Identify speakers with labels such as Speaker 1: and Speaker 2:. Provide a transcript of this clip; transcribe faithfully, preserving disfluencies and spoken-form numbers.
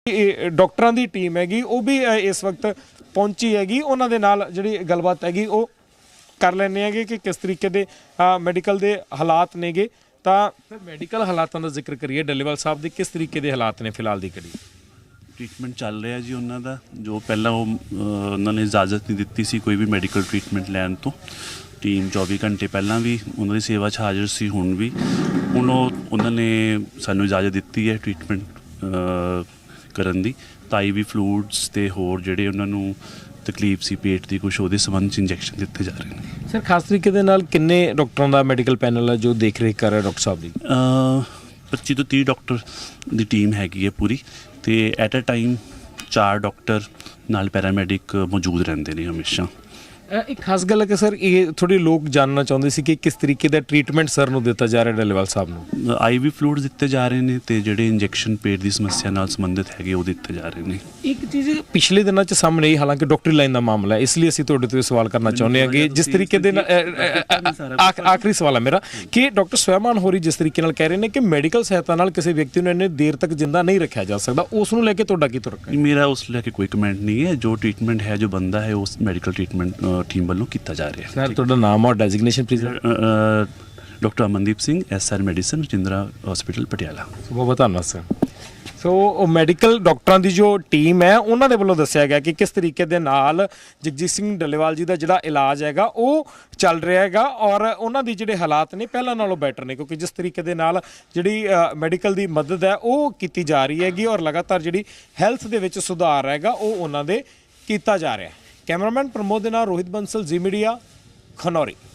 Speaker 1: ਡਾਕਟਰਾਂ ਦੀ ਟੀਮ ਹੈਗੀ ਉਹ ਵੀ ਇਸ ਵਕਤ ਪਹੁੰਚੀ ਹੈਗੀ। ਉਹਨਾਂ ਦੇ ਨਾਲ ਜਿਹੜੀ ਗੱਲਬਾਤ ਹੈਗੀ ਉਹ ਕਰ ਲੈਂਦੇ ਹੈਗੇ ਕਿ ਕਿਸ ਤਰੀਕੇ ਦੇ ਮੈਡੀਕਲ ਦੇ ਹਾਲਾਤ ਨੇਗੇ। ਤਾਂ ਫਿਰ ਮੈਡੀਕਲ ਹਾਲਾਤਾਂ ਦਾ ਜ਼ਿਕਰ ਕਰੀਏ, ਡੱਲੇਵਾਲ ਸਾਹਿਬ ਦੇ ਕਿਸ ਤਰੀਕੇ ਦੇ ਹਾਲਾਤ ਨੇ ਫਿਲਹਾਲ ਦੀ ਘੜੀ?
Speaker 2: ਟ੍ਰੀਟਮੈਂਟ ਚੱਲ ਰਿਹਾ ਜੀ ਉਹਨਾਂ ਦਾ, ਜੋ ਪਹਿਲਾਂ ਉਹ ਉਹਨਾਂ ਨੇ ਇਜਾਜ਼ਤ ਨਹੀਂ ਦਿੱਤੀ ਸੀ ਕੋਈ ਵੀ ਮੈਡੀਕਲ ਟ੍ਰੀਟਮੈਂਟ ਲੈਣ ਤੋਂ। ਟੀਮ ਚੌਵੀ ਘੰਟੇ ਪਹਿਲਾਂ ਵੀ ਉਹਨਾਂ ਦੀ ਸੇਵਾ 'ਚ ਹਾਜ਼ਰ ਸੀ, ਹੁਣ ਵੀ ਹੁਣ ਉਹ ਉਹਨਾਂ ਨੇ ਸਾਨੂੰ ਇਜਾਜ਼ਤ ਦਿੱਤੀ ਹੈ ਟ੍ਰੀਟਮੈਂਟ ਕਰਨ ਦੀ। ਤਾਈ ਵੀ ਫਲੂਇਡਸ ਅਤੇ ਹੋਰ ਜਿਹੜੇ ਉਹਨਾਂ ਨੂੰ ਤਕਲੀਫ ਸੀ ਪੇਟ ਦੀ ਕੁਛ, ਉਹਦੇ ਸੰਬੰਧ 'ਚ ਇੰਜੈਕਸ਼ਨ ਦਿੱਤੇ ਜਾ ਰਹੇ ਨੇ।
Speaker 1: ਸਰ ਖਾਸ ਤਰੀਕੇ ਦੇ ਨਾਲ ਕਿੰਨੇ ਡਾਕਟਰਾਂ ਦਾ ਮੈਡੀਕਲ ਪੈਨਲ ਹੈ ਜੋ ਦੇਖ ਰੇਖ ਕਰ ਰਿਹਾ ਡਾਕਟਰ ਸਾਹਿਬ ਦੀ?
Speaker 2: ਪੱਚੀ ਤੋਂ ਤੀਹ ਡਾਕਟਰ ਦੀ ਟੀਮ ਹੈਗੀ ਹੈ ਪੂਰੀ, ਅਤੇ ਐਟ ਅ ਟਾਈਮ ਚਾਰ ਡਾਕਟਰ ਨਾਲ ਪੈਰਾਮੈਡਿਕ ਮੌਜੂਦ ਰਹਿੰਦੇ ਨੇ ਹਮੇਸ਼ਾ।
Speaker 1: ਇੱਕ ਖਾਸ ਗੱਲ ਹੈ ਕਿ ਸਰ ਇਹ ਥੋੜ੍ਹੇ ਲੋਕ ਜਾਣਨਾ ਚਾਹੁੰਦੇ ਸੀ ਕਿ ਕਿਸ ਤਰੀਕੇ ਦਾ ਟ੍ਰੀਟਮੈਂਟ ਸਰ ਨੂੰ ਦਿੱਤਾ ਜਾ ਰਿਹਾ ਡੱਲੇਵਾਲ ਸਾਹਿਬ ਨੂੰ?
Speaker 2: ਆਈ ਵੀ ਫਲੂਇਡ ਦਿੱਤੇ ਜਾ ਰਹੇ ਨੇ, ਅਤੇ ਜਿਹੜੇ ਇੰਜੈਕਸ਼ਨ ਪੇਟ ਦੀ ਸਮੱਸਿਆ ਨਾਲ ਸੰਬੰਧਿਤ ਹੈਗੇ ਉਹ ਦਿੱਤੇ ਜਾ ਰਹੇ ਨੇ।
Speaker 1: ਇੱਕ ਚੀਜ਼ ਪਿਛਲੇ ਦਿਨਾਂ 'ਚ ਸਾਹਮਣੇ ਆਈ, ਹਾਲਾਂਕਿ ਡਾਕਟਰੀ ਲਾਈਨ ਦਾ ਮਾਮਲਾ ਹੈ, ਇਸ ਲਈ ਅਸੀਂ ਤੁਹਾਡੇ ਤੋਂ ਸਵਾਲ ਕਰਨਾ ਚਾਹੁੰਦੇ ਹਾਂ ਕਿ ਜਿਸ ਤਰੀਕੇ ਦੇ ਨਾਲ ਆਖਰੀ ਸਵਾਲ ਹੈ ਮੇਰਾ ਕਿ ਡਾਕਟਰ ਸਵੈਮਾਨ ਹੋਰੀ ਜਿਸ ਤਰੀਕੇ ਨਾਲ ਕਹਿ ਰਹੇ ਨੇ ਕਿ ਮੈਡੀਕਲ ਸਹਾਇਤਾ ਨਾਲ ਕਿਸੇ ਵਿਅਕਤੀ ਨੂੰ ਇੰਨੇ ਦੇਰ ਤੱਕ ਜਿੰਦਾ ਨਹੀਂ ਰੱਖਿਆ ਜਾ ਸਕਦਾ, ਉਸ ਨੂੰ ਲੈ ਕੇ ਤੁਹਾਡਾ ਕੀ ਤੁਰਕ ਹੈ?
Speaker 2: ਮੇਰਾ ਉਸ ਲੈ ਕੇ ਕੋਈ ਕਮੈਂਟ ਨਹੀਂ ਹੈ। ਜੋ ਟ੍ਰੀਟਮੈਂਟ ਹੈ, ਜੋ ਬੰਦਾ ਹੈ, ਉਸ ਮੈਡੀਕਲ ਟ੍ਰੀਟਮੈਂਟ ਟੀਮ ਵੱਲੋਂ ਕੀਤਾ ਜਾ ਰਿਹਾ ਹੈ।
Speaker 1: ਸਰ ਤੁਹਾਡਾ ਨਾਮ ਔਰ designation please?
Speaker 2: Doctor Amandeep Singh, S R medicine, Rajindra hospital Patiala.
Speaker 1: ਬਹੁਤ ਬਹੁਤ ਧੰਨਵਾਦ ਸਰ। ਸੋ ਮੈਡੀਕਲ ਡਾਕਟਰਾਂ ਦੀ ਜੋ ਟੀਮ ਹੈ ਉਹਨਾਂ ਦੇ ਵੱਲੋਂ ਦੱਸਿਆ ਗਿਆ ਕਿ ਕਿਸ ਤਰੀਕੇ ਦੇ ਨਾਲ ਜਗਜੀਤ ਸਿੰਘ ਡੱਲੇਵਾਲ ਜੀ ਦਾ ਜਿਹੜਾ ਇਲਾਜ ਹੈਗਾ ਉਹ ਚੱਲ ਰਿਹਾ ਹੈਗਾ, ਔਰ ਉਹਨਾਂ ਦੀ ਜਿਹੜੇ ਹਾਲਾਤ ਨੇ ਪਹਿਲਾਂ ਨਾਲੋਂ ਬੈਟਰ ਨੇ, ਕਿਉਂਕਿ ਜਿਸ ਤਰੀਕੇ ਦੇ ਨਾਲ ਜਿਹੜੀ ਮੈਡੀਕਲ ਦੀ ਮਦਦ ਹੈ ਉਹ ਕੀਤੀ ਜਾ ਰਹੀ ਹੈਗੀ, ਔਰ ਲਗਾਤਾਰ ਜਿਹੜੀ ਹੈਲਥ ਦੇ ਵਿੱਚ ਸੁਧਾਰ ਹੈਗਾ ਉਹ ਉਹਨਾਂ ਦੇ ਕੀਤਾ ਜਾ ਰਿਹਾ ਹੈ। ਕੈਮਰਾਮੈਨ ਪ੍ਰਮੋਦ ਦੇ ਨਾਲ ਰੋਹਿਤ ਬੰਸਲ, ਜ਼ੀ ਮੀਡੀਆ, ਖਨੌਰੀ।